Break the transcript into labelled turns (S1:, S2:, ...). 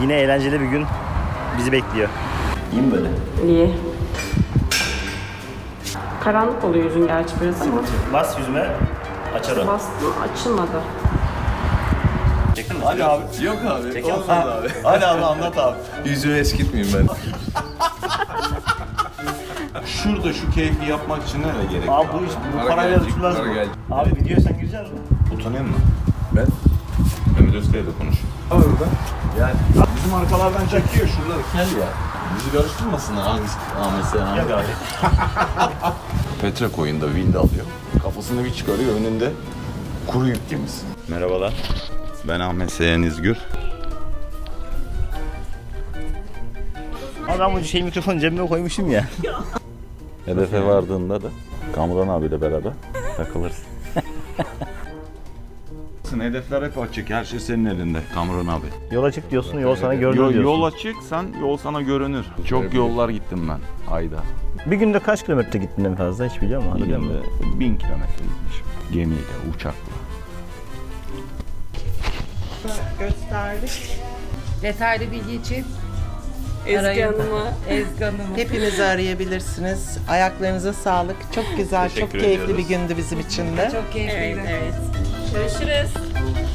S1: Yine eğlenceli bir gün bizi bekliyor. İyi mi böyle?
S2: İyi. Karanlık oluyor yüzün gerçi biraz ama.
S1: Bas yüzüme, açar o.
S2: Bastım, açılmadı.
S1: Çektin mi?
S3: Hadi abi. Yok abi.
S1: Çekiyor musun?
S3: Olmaz abi. Hadi abi anlat abi. Yüzümü eskitmeyeyim ben. Şurada şu keyfi yapmak için nereye gerek
S1: Abi bu iş bu parayla tutulmaz mı? Abi videoya sen gireceksin mi?
S3: Utanıyor musun? Ben? Mehmet Özkaya da konuş. Orada. Yani bizim arkalardan çekiyor şuraları kel ya. Bizi karıştırmasınlar Ahmet Sena.
S1: Yok abi.
S3: Petre koyunda wind alıyor. Kafasını bir çıkarıyor önünde kuru yük gemisi. Merhabalar. Ben Ahmet Seyhan İzgür.
S1: Abi ben bu mikrofonu cebime koymuşum ya.
S3: Hedefe vardığında da Kamuran abiyle beraber takılırsın. Hedefler hep açık. Her şey senin elinde Kamuran abi.
S1: Yola çık diyorsun, yol sana görünür diyorsun.
S3: Yol açık, sen yol sana görünür. Çok yollar gittim ben ayda.
S1: Bir günde kaç kilometre gittin en fazla hiç biliyor musun?
S3: Bir
S1: Hatırlıyor musun?
S3: günde 1000 kilometre gitmişim. Gemiyle, uçakla.
S4: Gösterdik.
S5: Detaylı bilgi için
S2: Ezgi Hanım'a.
S5: Ezgi Hanım'ı.
S4: Hepinizi arayabilirsiniz. Ayaklarınıza sağlık. Çok güzel,
S3: Teşekkür
S4: çok keyifli
S3: ediyoruz.
S4: bir gündü bizim için de.
S5: Çok keyifliydi.
S2: Evet. Görüşürüz.